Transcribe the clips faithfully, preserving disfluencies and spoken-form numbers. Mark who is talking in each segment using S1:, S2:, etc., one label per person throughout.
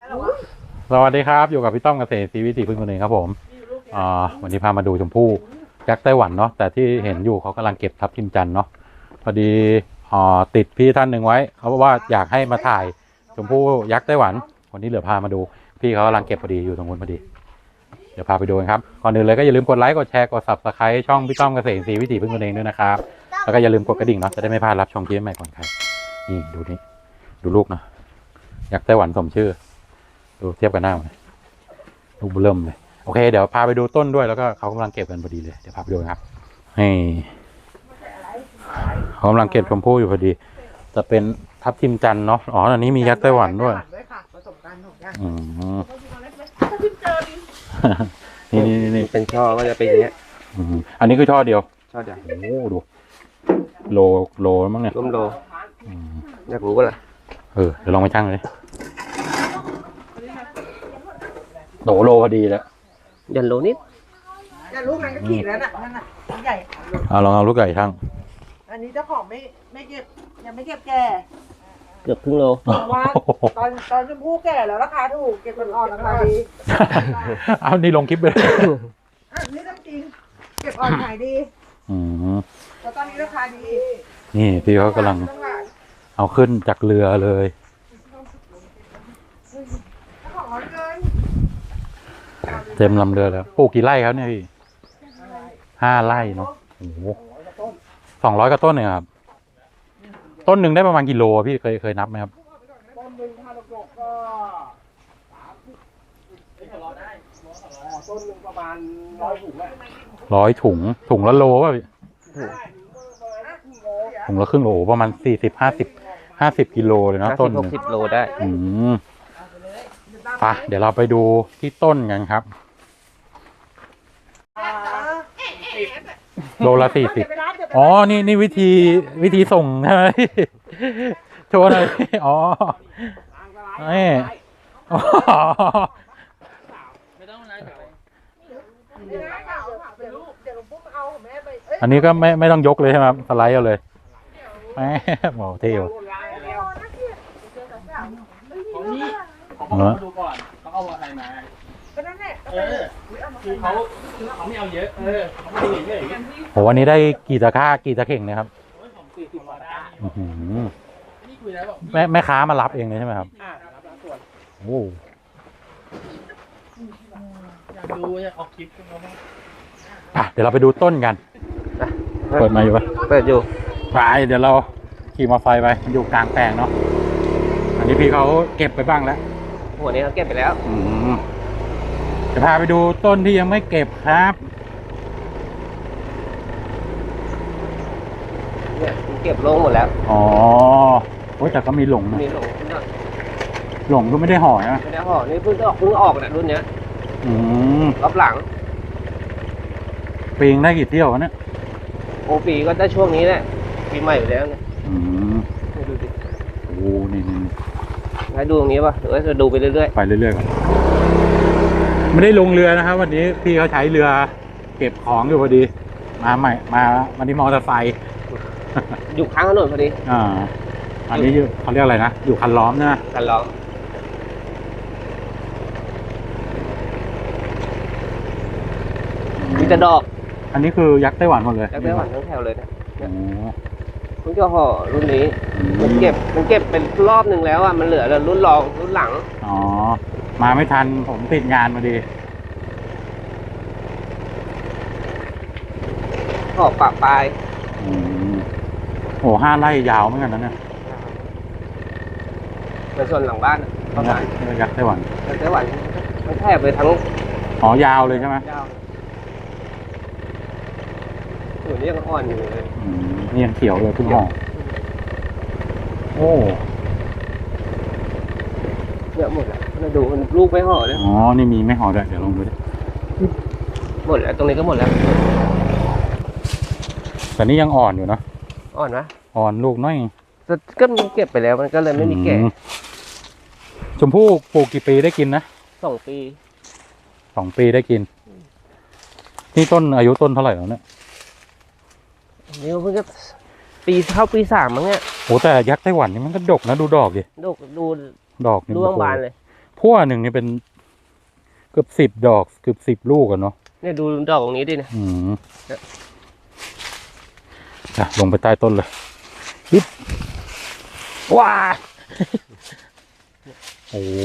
S1: สวัสดีครับอยู่กับพี่ต้อมเกษตรศรีวิถีพึ่งคนเองครับผมอ่าวันนี้พามาดูชมพู่ยักษ์ไต้หวันเนาะแต่ที่เห็นอยู่เขากำลังเก็บทับทิมจันทร์เนาะพอดีอ่าติดพี่ท่านหนึ่งไว้เขาบอกว่าอยากให้มาถ่ายชมพู่ยักษ์ไต้หวันวันนี้เหลือพามาดูพี่เขากำลังเก็บพอดีอยู่ตรงนู้นพอดีเดี๋ยวพาไปดูกันครับก่อนอื่นเลยก็อย่าลืมกดไลค์กดแชร์กด ซับสไครบ์ ช่องพี่ต้อมเกษตรศรีวิถีพึ่งคนเองด้วยนะครับแล้วก็อย่าลืมกดกระดิ่งเนาะจะได้ไม่พลาดรับชมคลิปใหม่ก่อนใครนี่ดูนี่ดูลูกนะยักษ์ไต้หวันสมชื่อดูเทียบกันหน้าเลยลูกเริ่มเลยโอเคเดี๋ยวพาไปดูต้นด้วยแล้วก็เขากำลังเก็บกันพอดีเลยเดี๋ยวพาไปดูครับให้เขากำลังเก็บชมพู่อยู่พอดีจะเป็นทับทิมจันทร์เนาะอ๋ออันนี้มียักษ์ไต้หวันด้วยอืมนี่นี่นี่
S2: เป็นช่อก็จะเป็นอย่างเงี้ย
S1: อันนี้คือช่อเดียว
S2: ช่อเดียว
S1: โอ้ดูโลโลมั้งเนี่ย
S2: ร่วมโลอยากรู้ก็ล่ะ
S1: เออเดี๋ยวลองไปชั่งเลยโตโลพอดีแล้ว
S2: ยันโลนิด
S3: จะลูกนั้นก็ขีดแล้วน่ะนั่นน่ะใหญ่
S1: เอาลองเอาลูกใหญ่ช่าง
S3: อันนี้เจ้าของไม่ไม่เก็บยังไม่เก็บแก่
S2: เกือบครึ่งโล
S3: ว่าตอนตอนชมพู่แก่แล้วราคาถูกเก็บอ่อนราคาดี
S1: เอานี่ลงคลิปเลย
S3: อันนี้ต้องจริงเก็บอ่อนขายดี
S1: อืม
S3: แล้วตอนนี้ราคาดี
S1: นี่พี่เขากำลังเอาขึ้นจากเรือเลยเต็มลำเรือแล้วปลูกกี่ไร่ครับเนี่ยพี่ห้าไร่เนาะโอ้โหสองร้อยกว่าต้นเนี่ยครับต้นหนึ่งได้ประมาณกิโลพี่เคยเคยนับไหมครับ
S3: ต้นหนึ่งถ้าดกๆก็ต้นหนึ่งประมาณร้อยถุง
S1: ร้อยถุงถุงละโลป่ะพี่ถุงละครึ่งโลประมาณสี่สิบห้าสิบห้าสิบกิโลเลยเนาะต้นหนึ่ง
S2: สิบโลได้
S1: อืมไปเดี๋ยวเราไปดูที่ต้นกันครับโลละสี่สิบอ๋อนี่นี่วิธีวิธีส่งใช่ไหมโชว์หน่อยอ๋อนี่อันนี้ก็ไม่ไม่ต้องยกเลยใช่ไหมครับสไลด์เอาเลยแม่โอ้เท่ว่ะ
S4: เขามาดูก่อนเขาเอาอะไรมาก็นั่นแหละเออคือเขาคือเขาไม่เอาเยอะเออเขาไม่เยอะอย่างเงี้ย
S1: โหวันนี้ได้กี่ตะกร้ากี่ตะเข่งนะครับแม่แม่ค้ามารับเองเลยใช่ไหมครับโอ้
S4: อยากดูอยากออกคลิปกันไหม
S1: อ่ะเดี๋ยวเราไปดูต้นกันเปิดมาอยู่ปะ
S2: เปิดอยู่
S1: ไปเดี๋ยวเราขี่มอเตอร์ไซค์ไปอยู่กลางแปลงเนาะอันนี้พี่เขาเก็บไปบ้างแล้ว
S2: หัวนี้เขาเก็บไปแล้ว
S1: อืมจะพาไปดูต้นที่ยังไม่เก็บครับ
S2: เนี่ยเก็บลงหมดแล้ว
S1: อ๋อโอ้ยแต่ก็มีหลงนะ
S2: มีหลง
S1: หลงก็ไม่ได้ห่อนะ
S2: ไม่ได้ห่อนี่เพิ่งออกเพิ่งออกนะรุ่นเนี้ย
S1: อืม
S2: รอบหลัง
S1: ปีงได้กี่เที่ยววะเนี่ย
S2: โอปีก็ได้ช่วงนี้แหละปีใหม่อยู่แล้วเนี่ย
S1: อืม
S2: ดูดิ
S1: โอ้นี่นี่
S2: ให้ดูตรงนี้ป่ะหรือว่าจะดูไปเรื่อย
S1: ๆไปเรื่อยๆก่อนไม่ได้ลงเรือนะครับวันนี้พี่เขาใช้เรือเก็บของอยู่พอดีมาใหม่มาวันนี้มอเตอร์ไซค์
S2: อยู่ข้างถนนพอดี
S1: อ่าอันนี้เขาเรียกอะไรนะอยู่คันล้อมนะ
S2: คันล้อมมีแต่ดอก
S1: อันนี้คือยักษ์ไต้หวันหมดเลย
S2: ยักษ์ไต้หวันทั้งแถวเลยนะเพิ่งจะห่อรุ่นนี้มันเก็บมันเก็บเป็นรอบหนึ่งแล้วอ่ะมันเหลือรุ่นรองรุ่นหลัง
S1: อ๋อมาไม่ทันผมติดงานพอดี
S2: ขอบปะปลาย
S1: อืมโอ้ห้าไร่ยาวเหมือนกันนะเนี่ย
S2: ในส่วนหลังบ้านประมาณ
S1: ยักษ์ไต้หวัน
S2: ยักษ์ไต้หวันมันแทบไปทั้ง
S1: อ๋อยาวเลยใช่ไหม
S2: ยาวอยู่นี่ยังอ่อนอยู่เลย
S1: อืมนี่ยังเขียวเลยพึ่งห่อโอ้
S2: เยอะหมดแล้วมาดูมันลูกไม่ห่อเลย
S1: อ๋อนี่มีไม่ห่อด้วยเดี๋ยวลองดูดิ
S2: หมดแล้วตรงนี้ก็หมดแล้ว
S1: แต่นี่ยังอ่อนอยู่เนาะ
S2: อ่อนนะ
S1: อ่อนลูกน้อย
S2: ก็มันเก็บไปแล้วมันก็เลยไม่มีแก่
S1: ชมพู่ปลูกกี่ปีได้กินนะ
S2: สองปี
S1: สองปีได้กินนี่ต้นอายุต้นเท่าไหร่แล้วเนี่ย
S2: นี่เพิ่งจะปีเข้าปีสามมั้งเนี่ย
S1: โอ้แต่ยักษ์ไต้หวันนี่มันก็ดกนะดูดอกดิ
S2: ดกดู
S1: ดอก
S2: ร่วงบานเลย
S1: พั่วหนึ่งนี่เป็นเกือบสิบดอกเกือบสิบลูกกันเนาะ
S2: เนี่ยดูดอกตรงนี้ดิเนี่ย
S1: อืมอ่ะลงไปใต้ต้นเลยปึ๊บว้า โอ้โห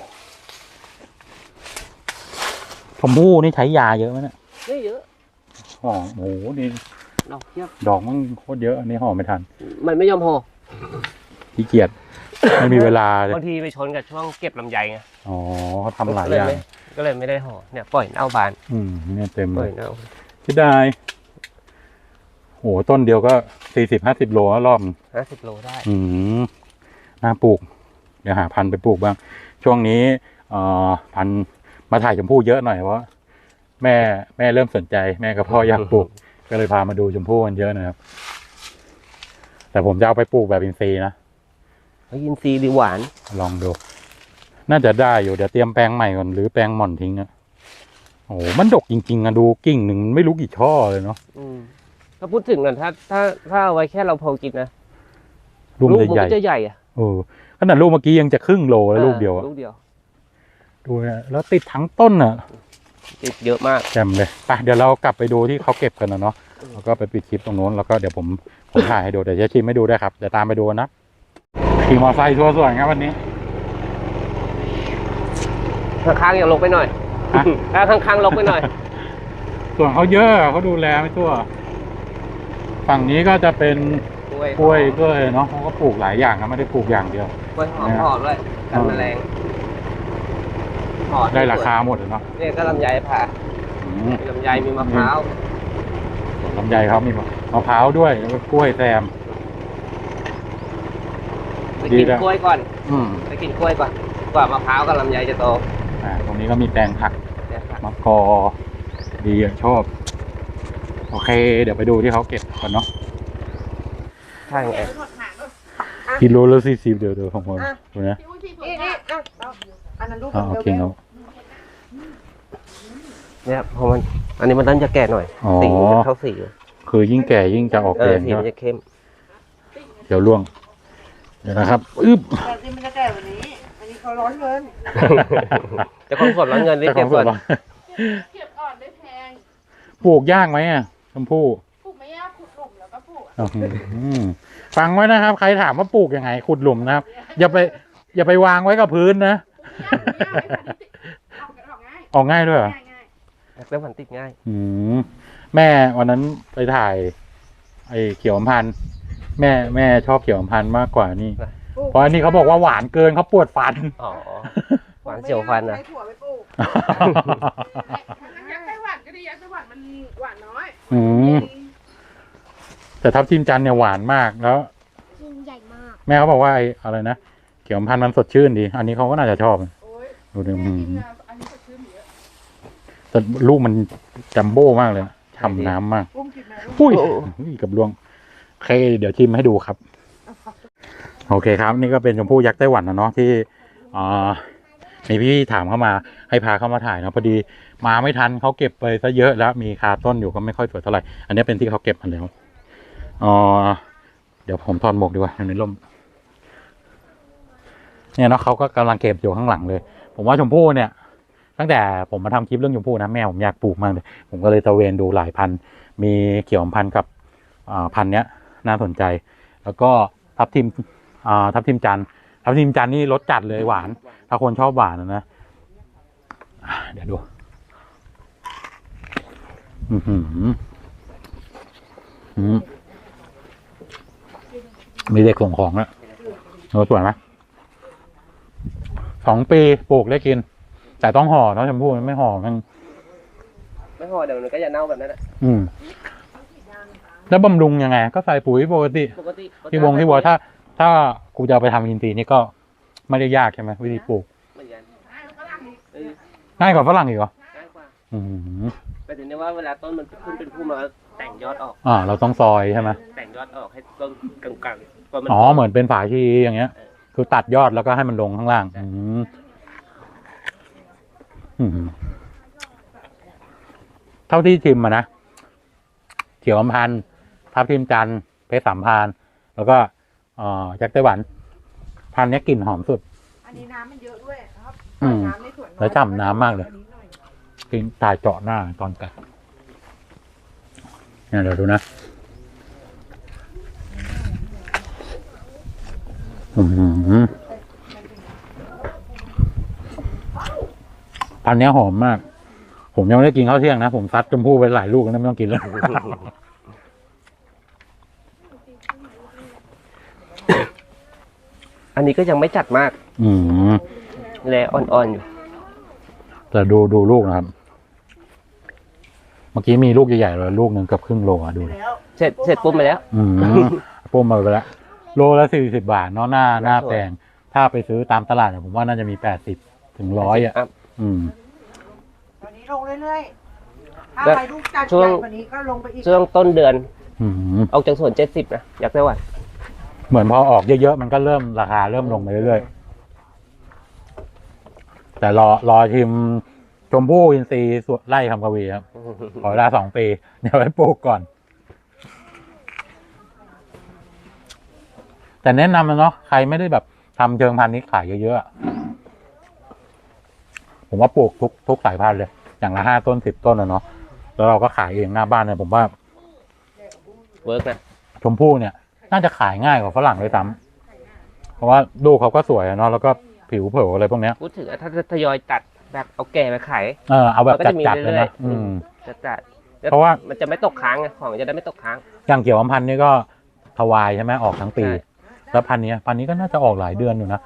S1: ชมพู่นี่ใช้ยาเยอะไหมเนี่ย
S2: ไม่เยอะ
S1: ห่อโอ้โหนี่
S2: ดอกเทียบ
S1: ดอกมันโคตรเยอะอันนี้ห่อไม่ทัน
S2: มันไม่ยอมห่อ
S1: ขี้เกียจไม่มีเวลาเลย
S2: บางทีไปชนกับช่วงเก็บลำไยไง
S1: อ๋อเขาทำหลายอย่าง
S2: ก็เลยไม่ได้ห่อเนี่ยปล่อยเน่าบาน
S1: อืมเนี่ยเต็ม
S2: ป
S1: เล
S2: ล่อย
S1: ย
S2: เน่า
S1: ที่ได้โหต้นเดียวก็สี่สิบห้าสิบโลแล้วรอบ
S2: ห้าสิบโลได้
S1: อืมน่าปลูก เดี๋ยวหาพันธุ์ไปปลูกบ้าง ช่วงนี้เอ่อพันธุ์มาถ่ายชมพู่เยอะหน่อยเพราะแม่แม่เริ่มสนใจ แม่กับพ่ออยากปลูก ก็เลยพามาดูชมพู่กันเยอะนะครับ แต่ผมจะเอาไปปลูกแบบอินทรีย์นะ
S2: เขายินซีดีหวาน
S1: ลองดู น่าจะได้อยู่เดี๋ยวเตรียมแปลงใหม่ก่อนหรือแปลงหม่อนทิ้งอะโอ้โหมันดกจริงๆอะดูกิ่งหนึ่งไม่รู้กี่ช่อเลยเนาะ
S2: อืมถ้าพูดถึงนะถ้าถ้าถ้าเอาไว้แค่เราพอกินนะ
S1: ลูก
S2: มัน
S1: ใหญ่
S2: ก็จะใหญ่อะ
S1: ๆเออขนาดลูกเมื่อกี้ยังจะครึ่งโลแล้วลูกเดียวอะ
S2: ลูกเดียว
S1: ดูนะแล้วติดทั้งต้นอะ
S2: ติดเยอะมาก
S1: แจ่มเลยไปเดี๋ยวเรากลับไปดูที่เขาเก็บกันนะเนาะแล้วก็ไปปิดคลิปตรงโน้นแล้วก็เดี๋ยวผมผมถ่ายให้ดูเดี๋ยวจะชิมให้ดูได้วยครับเดี๋ยวตามไปดูนะขี่มอเตอร์ไซค์ทัวร์สวนครับวันนี้
S2: ข้างๆอย่าลกไปหน่อย
S1: ฮะ
S2: ถ้าข้างๆลกไปหน่อย
S1: ส่วนเขาเยอะเขาดูแลไม่ทั่ว ฝั่งนี้ก็จะเป็น
S2: กล้วย
S1: กล้วยด้วยเนาะเขาก็ปลูกหลายอย่างนะไม่ได้ปลูกอย่างเดียว
S2: กล้วยหอมหอมด้วยกันแมลงหอม
S1: ได้ราคาหมดเลยเนาะ
S2: เนี่ยก็ลำไยผ่า
S1: อืม
S2: มีลำไยมีมะพร้าว
S1: สวนลำไยเขามีมะพร้าวด้วยแล้วก็กล้วยแซม
S2: ไป
S1: ดี
S2: กิน
S1: แล้ว
S2: กล้วยก่อน
S1: อืม
S2: ไปกินกล้วยก่อนกว่ามะพร้าวกับลำไยจะโต
S1: อ่าตรงนี้ก็มีแปลงผัก
S2: เนี่ยค่ะ
S1: มะกอดีอ่ะชอบ โอเค เดี๋ยวไปดูที่เขาเก็บกันเนาะ
S2: ใช่ไง
S1: กิโลละสี่สิบเดี๋ยวเดี๋ยวของผมดูนะ
S3: นี่นี่อ่ะเอาอันนั้นลูก
S1: อ๋อ
S3: เดี
S1: โอ
S3: ยว
S1: เคเนาะ
S2: เนี่ยพอมันอันนี้มันต้นจะแก่หน่อย
S1: อ๋อ
S2: สีมันจะเข้าสีอยู่
S1: คือยิ่งแก่ยิ่งจะออก
S2: เอ
S1: แด
S2: อง สี
S1: ใช่ไห
S2: มั
S1: ม
S2: นจะเข้ม
S1: เดี๋ยวล่วง เดี๋ยวนะครับอึ๊บ
S3: แต่ที่มันจะแก่วันนี้ อันนี้เขาร้อนเงิน
S2: จะคอนสดร้อนเงินรีบ
S1: เจ้าข
S2: เก็
S1: อบ งส
S2: ก่
S1: ว
S2: อน น
S5: เก็บอ่อนได้แพง
S1: ปลูกยากไหมอ่ะชมพู่
S5: ปลูกไม่ยากขุดหลุมแล้วก็ปลูก
S1: อื้อหือฟังไว้นะครับ ใครถามว่าปลูกยังไง ขุดหลุมนะครับ อย่าไป อย่าไปวางไว้กับพื้นนะ
S5: ออกง่าย
S1: ออกง่ายด้วยเหรอ
S5: ง่ายง่าย
S2: แล้วมันติดง่าย
S1: อืมแม่วันนั้นไปถ่าย ไอ้เขียวอำพันธ์แม่แม่ชอบเขียวอำพันธ์มากกว่านี่ เพราะอันนี้เขาบอกว่าหวานเกินเขาปวดฟัน
S2: อ๋อหวานเสียวฟันนะ
S3: ใช้ถั่วไปปลูก
S5: ยักษ์ไต้หวันก็ดียักษ์ไต้หวันมันหวานน้อย
S1: อืมแต่ทับทิมจันทร์เนี่ยหวานมากแล้ว
S5: ยิ่งใหญ่มาก
S1: แม่เขาบอกว่าไอ้อะไรนะเขียวอำพันธ์มันสดชื่นดี อันนี้เขาก็น่าจะชอบ
S5: โอ้ย
S1: ดูดิ
S5: แม่
S1: อื
S5: กิน
S1: ม
S5: อะอันนี้สดชื่นเยอะ
S1: แต่ลูกมันจัมโบ้มากเลยนะฉ่ำน้ำมาก
S3: ปุ้มกินไหมลูก
S1: อุ้ยอุ้ยกับลวงโอเค เดี๋ยวชิมให้ดูครับ โอเคครับ นี่ก็เป็นชมพู่ยักษ์ไต้หวันนะเนาะที่อ่ามีพี่ถามเข้ามาให้พาเข้ามาถ่ายเนาะพอดีมาไม่ทันเขาเก็บไปซะเยอะแล้วมีคาต้นอยู่ก็ไม่ค่อยสวยเท่าไหร่อันนี้เป็นที่เขาเก็บมาแล้วอ๋อเดี๋ยวผมถอดหมวกดีกว่าในร่มเนี่ยเนาะเขาก็กำลังเก็บอยู่ข้างหลังเลย ผมว่าชมพู่เนี่ย ตั้งแต่ผมมาทำคลิปเรื่องชมพู่นะแม่ผมอยากปลูกมากเลยผมก็เลยตระเวนดูหลายพันธุ์มีเขียวอำพันธ์กับอ่าพันธุ์เนี้ยน่าสนใจ แล้วก็ทับทิมอ่าทับทิมจันทร์ทับทิมจันทร์นี่รสจัดเลยหวาน ถ้าคนชอบหวานนะนะอ่ะเดี๋ยวดู อือหืออืมมีเด็กส่งของแล้วโอ้สวยไหมสองปีปลูกได้กิน แต่ต้องห่อเนาะชมพู่มันไม่ห่อมัน
S2: ไม่พอเดี๋ยวมันก็จะเน่าแบบนั้นแหละ
S1: อืม แล้วบำรุงยังไง ก็ใส่ปุ๋ยปกติ
S2: ปกติ
S1: ที่วงที่วัวถ้า ถ้ากูจะเอาไปทำอินทรีย์นี่ก็ไม่ได้ยากใช่ไหมวิธีปลูก
S2: เหมือนกัน
S5: ง่ายกว่าฝรั่งอีก
S2: เออ
S1: ง่ายกว่าฝรั่งอีกเหรอ
S2: ง่ายกว่า
S1: อืม
S2: แต่ถึงได้ว่าเวลาต้นมันขึ้นเป็นพุ่มแล้วแต่งยอดออก
S1: อ่า เราต้องซอยใช่ไหม
S2: แต่งยอดออกให้ต้นกลางๆพอมัน
S1: อ๋อ เหมือนเป็นฝาชีอย่างเงี้ย คือตัดยอดแล้วก็ให้มันลงข้างล่าง อืมอืมเท่าที่ชิมมานะ เขียวอำพันธ์ทับทิมจันทร์เพชรสามพรานแล้วก็เอ่อยักษ์ไต้หวัน พันธุ์เนี้ยกลิ่นหอมสุด
S3: อันนี้น้ำมันเยอะด้วยนะครับ
S1: อืม
S3: น้ำในสวน
S1: แล้วฉ่ำน้ำมากเลย กินตายเจาะหน้าตอนกัดเนี่ยเดี๋ยวดูนะอืมพันธุ์เนี้ยหอมมาก ผมยังไม่ได้กินข้าวเที่ยงนะ ผมซัดชมพู่ไปหลายลูกแล้วนะไม่ต้องกินแล้ว
S2: อันนี้ก็ยังไม่จัดมาก
S1: อืม
S2: แลอ่อนๆอยู่
S1: แต่ดูดูลูกนะครับ เมื่อกี้มีลูกใหญ่ๆเลยลูกหนึ่งเกือบครึ่งโลอ่ะดูดิ
S3: แล้ว
S2: เสร็จเสร็จปุ๊บมาแล้ว
S1: อืมปุ้มมาไปแล้วโลละสี่สิบบาทเนาะหน้าหน้าแพงถ้าไปซื้อตามตลาดเนี่ยผมว่าน่าจะมีแปดสิบถึงร้อยอ่ะ อืม
S3: ตอนนี้ลงเรื่อยๆถ้า
S2: แล้ว
S3: ใครลูกจัด
S2: ช่ว
S3: ให
S2: ง
S3: ญ่กว่านี้ก็ลงไปอีก
S2: ช่วงต้นเดือน
S1: อืม
S2: ออกจากสวนเจ็ดสิบนะอยากได้หวาน
S1: เหมือนพอออกเยอะๆมันก็เริ่มราคาเริ่มลงไปเรื่อยๆแต่รอรอชิมชมพู่อินทรีย์สวนไร่คำกวีครับ ขอเวลาสองปีเดี๋ยวไว้ปลูกก่อน แต่แนะนำนะเนาะใครไม่ได้แบบทำเชิงพันธุ์นี้ขายเยอะๆอะผมว่าปลูกทุกทุกสายพันธุ์เลย อย่างละห้าต้นสิบต้นนะเนาะแล้วเราก็ขายเองหน้าบ้านเนี่ยผมว่า
S2: เวิร์กนะ
S1: ชมพู่เนี่ย น่าจะขายง่ายกว่าฝรั่งเลยซ้ำเพราะว่าลูกเขาก็สวยอะเนาะแล้วก็ผิวเผยอะไรพวกเนี้ย
S2: พูดถึงถ้าจะทยอยตัดแบบเอาแก่ไปขาย
S1: เออเอาแบบ
S2: มันก็จะมี
S1: จัดๆเลย
S2: เรื่อ
S1: นะ
S2: ยๆ
S1: อืม
S2: จะจัด
S1: เพราะว่า
S2: มันจะไม่ตกค้างไงของจะได้ไม่ตกค้าง
S1: อย่างเกี่ยวอำพันธ์นี่ก็ทวายใช่ไหมออกทั้งปี
S2: ใช่
S1: แล้วพันธุ์นี้พันธุ์นี้ก็น่าจะออกหลายเดือนอยู่นะ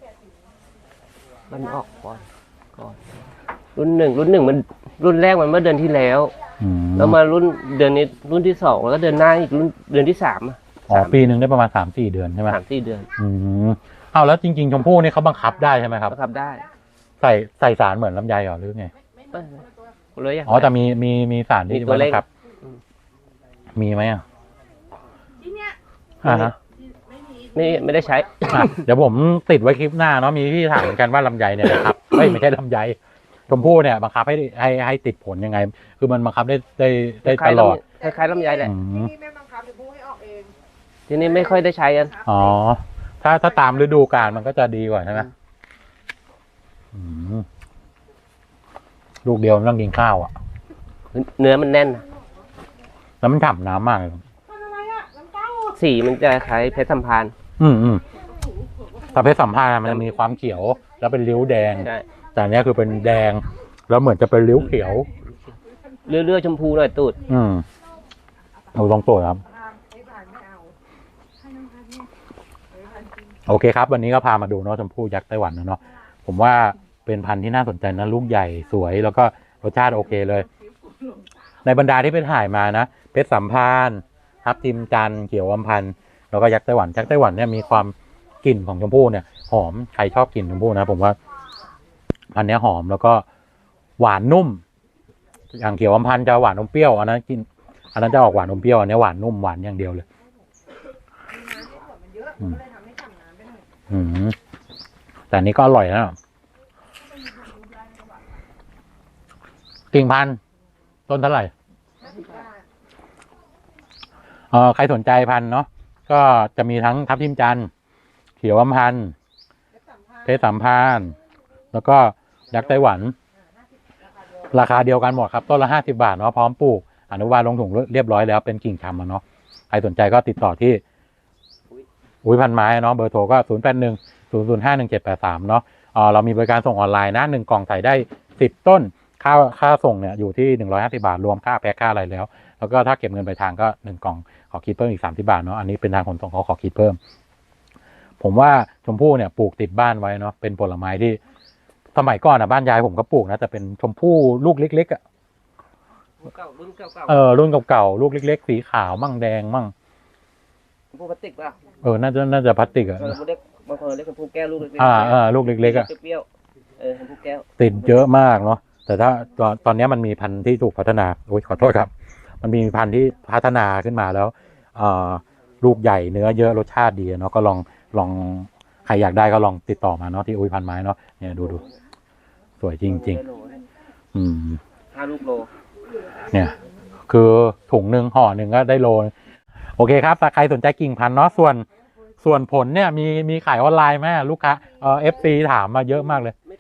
S2: มันออกก่อนก่อน รุ่นหนึ่งรุ่นหนึ่งมันรุ่นแรกมันเมื่อเดือนที่แล้ว
S1: อืม
S2: แล้วมารุ่นเดือนนี้รุ่นที่สองแล้วก็เดือนหน้าอีกรุ่นเดือนที่สามอะ
S1: อ๋อปีหนึ่งได้ประมาณสามสี่เดือนใช่ไหม
S2: สามสี่เดือน
S1: อืมเอาแล้วจริงๆชมพู่นี่เขาบังคับได้ใช่ไหมครับ
S2: ก็ทำได้
S1: ใส่ใส่สารเหมือนลำไยเหรอหรือไง
S2: เอ้ยเลยอย่าง
S1: อ๋อแต่มีมีมีสารที่
S2: มีตัวเลข
S1: บังคับ
S2: อืม
S1: มีไหมอ่ะ
S5: ที่เนี้ย
S1: อ่าฮะ
S5: ไม่มี
S2: ไม่ไม่ได้ใช้
S1: อ่ะเดี๋ยวผมติดไว้คลิปหน้าเนาะมีที่ถามเหมือนกันว่าลำไยเนี่ยนะครับไม่ไม่ใช่ลำไยชมพู่เนี่ยบังคับให้ให้ให้ติดผลยังไง คือมันบังคับได้ได้ได้ตลอด
S2: คล้ายๆลำไยแหละ
S1: อืม
S3: ที่นี่แม่บังคับจะพูดให้ออกเอง
S2: ทีนี้ไม่ค่อยได้ใช้กัน
S1: อ๋อ ถ้าถ้าตามฤดูกาลมันก็จะดีกว่าใช่ไหมอืมลูกเดียวไม่ต้องกินข้าวอ่ะ
S2: เนื้อมันแน่นนะ
S1: แล้วมันฉ่ำน้ำมากเลย
S3: ทำอะไรอ่ะน้ำเต้า
S2: สีมันจะคล้ายเพชรสัมพันธ์
S1: อืมอืมแต่เพชรสัมพันธ์อะมันจะมีความเขียว แล้วเป็นริ้วแดง
S2: ใช่
S1: แต่อันเนี้ยคือเป็นแดง แล้วเหมือนจะเป็นริ้วเขียว
S2: เลือดๆชมพูหน่อยตูด
S1: อืมเอาลองตัวครับ
S3: ไม่ผ่านไม่เอา
S1: โอเคครับ วันนี้ก็พามาดูเนาะชมพู่ยักษ์ไต้หวันนะเนาะผมว่าเป็นพันธุ์ที่น่าสนใจนะลูกใหญ่สวย แล้วก็รสชาติโอเคเลย ในบรรดาที่ไปถ่ายมานะเพชรสัมพันธ์ทับทิมจันทร์เขียวอำพันธ์แล้วก็ยักษ์ไต้หวันยักษ์ไต้หวันเนี่ยมีความกลิ่นของชมพู่เนี่ยหอมใครชอบกลิ่นชมพู่นะผมว่าพันธุ์เนี้ยหอมแล้วก็หวานนุ่ม อย่างเขียวอำพันธ์จะหวานอมเปรี้ยวอันนั้นกินอันนั้นจะออกหวานอมเปรี้ยวอันนี้หวานนุ่มหวานอย่างเดียวเลย
S3: มันเยอะก็เลยทำให้ฉ่ำน้ำไปหน่อย
S1: อืมแต่อันนี้ก็อร่อยนะกิ่งพันธุ์ต้นเท่าไหร่เออใครสนใจพันธุ์เนาะก็จะมีทั้งทับทิมจันทร์เขียวอำพันธ์เพชรสัมพันธ์แล้วก็ยักษ์ไต้หวัน ราคาเดียวกันหมดครับต้นละห้าสิบาทเนาะพร้อมปลูกอนุบาลลงถุงเรียบร้อยแล้วเป็นกิ่งชำอะเนาะใครสนใจก็ติดต่อที่อุ้ยพันไม้เนาะเบอร์โทรก็ศูนย์แปดหนึ่งศูนย์ศูนย์ห้าหนึ่งเจ็ดแปดสามเนาะเออเรามีบริการส่งออนไลน์นะหนึ่งกล่องใส่ได้สิบต้นค่าค่าส่งเนี่ยอยู่ที่หนึ่งร้อยห้าสิบาทรวมค่าแพ็คค่าอะไรแล้วแล้วก็ถ้าเก็บเงินปลายทางก็หนึ่งกล่องขอคิดเพิ่มอีกสามสิบาทเนาะอันนี้เป็นทางขนส่งเขาขอคิดเพิ่ม ผมว่าชมพู่เนี่ยปลูกติดบ้านไว้เนาะเป็นผลไม้ที่สมัยก่อนอ่ะบ้านยายผมก็ปลูกนะแต่เป็นชมพู่ลูกเล็กๆอ่ะ
S2: เก่ารุ่นเก่า
S1: เออรุ่นเก่าๆลูกเล็กๆสีขาวมั่งแดงมั่ง
S2: ๆชมพูพลาสติกป่ะ
S1: เออน่าจะน่าจะพลาสติกอ่ะ
S2: เออเรียกบางคนเรียกชมพูแก้วลูกเล็กๆ
S1: อ่าอ่าลูกเล็กๆอ่ะ
S2: เปรี้ยวๆเออชมพูแก้ว
S1: ติดเยอะมากเนาะแต่ถ้าตอนตอนนี้มันมีพันธุ์ที่ถูกพัฒนาโอ้ยขอโทษครับ มันมีพันธุ์ที่พัฒนาขึ้นมาแล้วเอ่อลูกใหญ่เนื้อเยอะรสชาติดีเนาะก็ลองลองใครอยากได้ก็ลองติดต่อมาเนาะที่อุ้ยพันไม้เนาะเนี่ยดูดูสวยจริงๆอืม
S2: ห้าลูกโล
S1: เนี่ย คือถุงหนึ่งห่อหนึ่งก็ได้โลนึงโอเคครับถ้าใครสนใจกิ่งพันธุ์เนาะส่วนส่วนผลเนี่ยมีมีขายออนไลน์ไหมลูกค้าเออฟซีถามมาเยอะมากเลย
S2: ไม่ทัน
S1: อ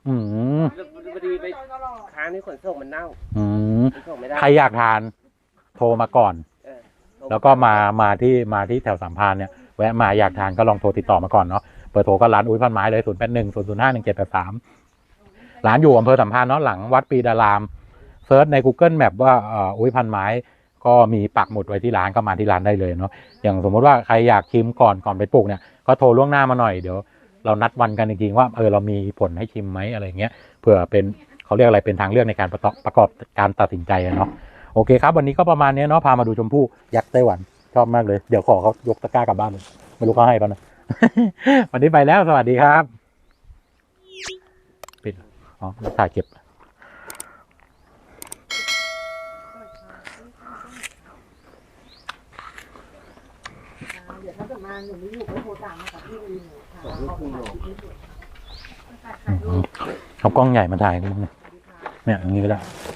S1: อืม
S2: พอดีไปค้างที่ขนส่งมันเน่า
S1: อืม
S2: ขนส่งไม่ได้
S1: ใครอยากทานโทรมาก่อน
S2: เออ
S1: แล้วก็มามาที่มาที่แถวสามพรานเนี่ยแวะมาอยากทานก็ลองโทรติดต่อมาก่อนเนาะเบอร์โทรก็ร้านอุ้ยพันไม้เลยศูนย์แปดหนึ่งศูนย์ศูนย์ห้าหนึ่งเจ็ดแปดสามร้านอยู่อำเภอสัมพันธ์เนาะหลังวัดปีดารามเซิร์ชใน Google Map ว่าเอ่ออุ้ยพันไม้ก็มีปักหมุดไว้ที่ร้านก็มาที่ร้านได้เลยเนาะอย่างสมมติว่าใครอยากชิมก่อนก่อนไปปลูกเนี่ยก็โทรล่วงหน้ามาหน่อยเดี๋ยวเรานัดวันกันจริงๆว่าเออเรามีผลให้ชิมไหมอะไรเงี้ยเผื่อเป็นเขาเรียกอะไรเป็นทางเลือกในการประกอบประกอบการตัดสินใจอะเนาะโอเคครับวันนี้ก็ประมาณนี้เนาะพามาดูชมพู่ยักษ์ไต้หวันชอบมากเลยเดี๋ยวขอเขายกตะกร้ากลับบ้านเลยไม่รู้เขาให้ป่ะนะ วันนี้ไปแล้วสวัสดีครับปิดอ๋อถ่ายเก็บ
S3: เดี๋ยวถ้าเกิดมาหนูไม่อยู่ก็โทรตามมากับพี่ลีหนูค่ะขอบคุณค่ะ
S1: เอากล้องใหญ่มาถ่ายนิดนึงเนี่ยอย่างนี้ก็ได้